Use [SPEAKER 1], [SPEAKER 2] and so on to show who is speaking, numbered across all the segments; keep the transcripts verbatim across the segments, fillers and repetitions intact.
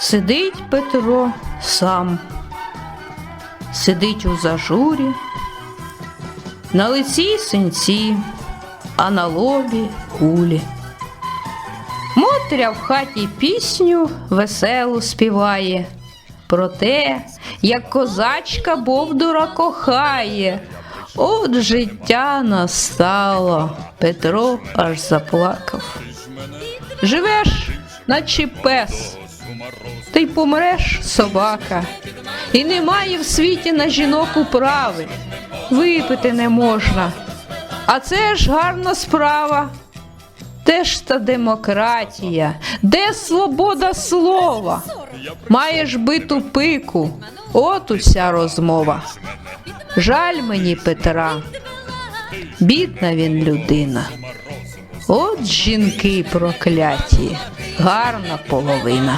[SPEAKER 1] Сидить Петро сам, сидить у зажурі, на лиці синці, а на лобі кулі. Мотря в хаті пісню веселу співає про те, як козачка бовдура кохає. От життя настало, Петро аж заплакав. Живеш, наче пес, та й помреш, собака. І немає в світі на жінок управи, випити не можна. А це ж гарна справа. Де ж та демократія? Де свобода слова? Маєш биту пику, от уся розмова. Жаль мені Петра, бідна він людина. От жінки прокляті, гарна половина.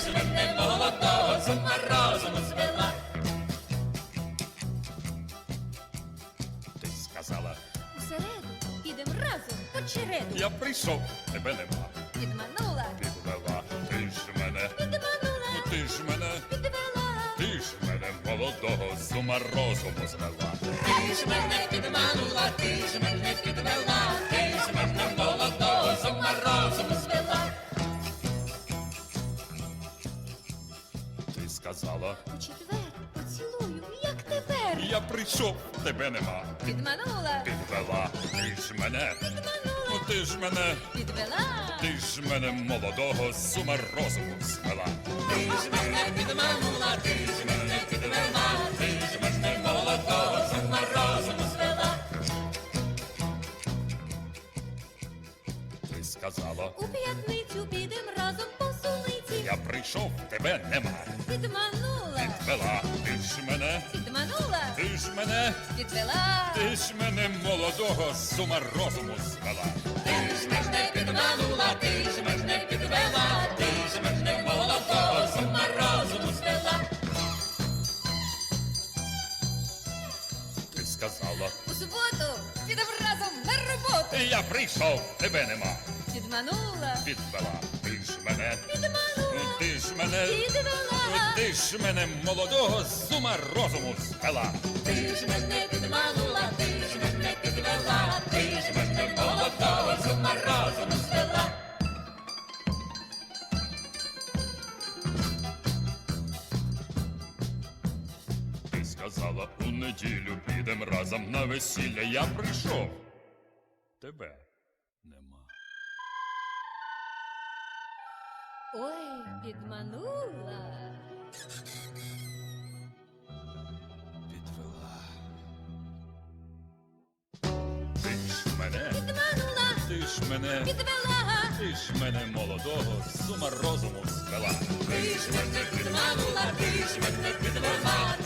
[SPEAKER 2] Ти сказала,
[SPEAKER 3] Усереду підем разом по череду.
[SPEAKER 2] я прийшов, тебе нема.
[SPEAKER 3] Підманула,
[SPEAKER 2] Підвела, ти ж мене,
[SPEAKER 3] підманула,
[SPEAKER 2] ну ти ж мене,
[SPEAKER 3] підвела.
[SPEAKER 2] ти ж мене молодого з ума розуму звела.
[SPEAKER 3] Ти ж мене підманула, ти ж мене підвела, ти ж мене молодого з ума розуму звела.
[SPEAKER 2] Ти сказала,
[SPEAKER 3] У четвер поцілую, як тепер.
[SPEAKER 2] я прийшов, тебе нема.
[SPEAKER 3] Підманула,
[SPEAKER 2] Підвела, ти ж мене, ну ти ж мене,
[SPEAKER 3] підвела.
[SPEAKER 2] ти ж мене молодого з ума розуму звела.
[SPEAKER 3] Ти ж мене підманула, ти ж мене підвела, ти ж мене молодого з ума розуму звела.
[SPEAKER 2] Ти сказала,
[SPEAKER 3] У п'ятницю підем разом по суниці.
[SPEAKER 2] я прийшов, тебе нема.
[SPEAKER 3] Підманула,
[SPEAKER 2] Підвела, ти ж мене,
[SPEAKER 3] підманула,
[SPEAKER 2] ти ж мене,
[SPEAKER 3] підвела.
[SPEAKER 2] ти ж мене молодого з ума розуму звела.
[SPEAKER 3] Ти ж мене підманула, ти ж мене підвела, ти ж мене молодого з ума розуму звела.
[SPEAKER 2] Ти сказала,
[SPEAKER 3] У суботу підем разом на роботу.
[SPEAKER 2] я прийшов, тебе нема.
[SPEAKER 3] Підманула,
[SPEAKER 2] Підвела, ти ж мене,
[SPEAKER 3] підманула,
[SPEAKER 2] ти ж мене,
[SPEAKER 3] підвела.
[SPEAKER 2] ти ж мене молодого з ума розуму звела.
[SPEAKER 3] Ти ж мене підманула, ти ж мене підвела, ти ж мене молодого з ума розуму звела.
[SPEAKER 2] Ти сказала, у неділю підем разом на весілля, я прийшов. Тебе нема.
[SPEAKER 3] Ой, підманула,
[SPEAKER 2] Підвела. Ти ж мене,
[SPEAKER 3] підманула,
[SPEAKER 2] ти ж мене,
[SPEAKER 3] підвела.
[SPEAKER 2] ти ж мене молодого з ума розуму звела.
[SPEAKER 3] Ти ж мене підманула, ти ж мене підвела,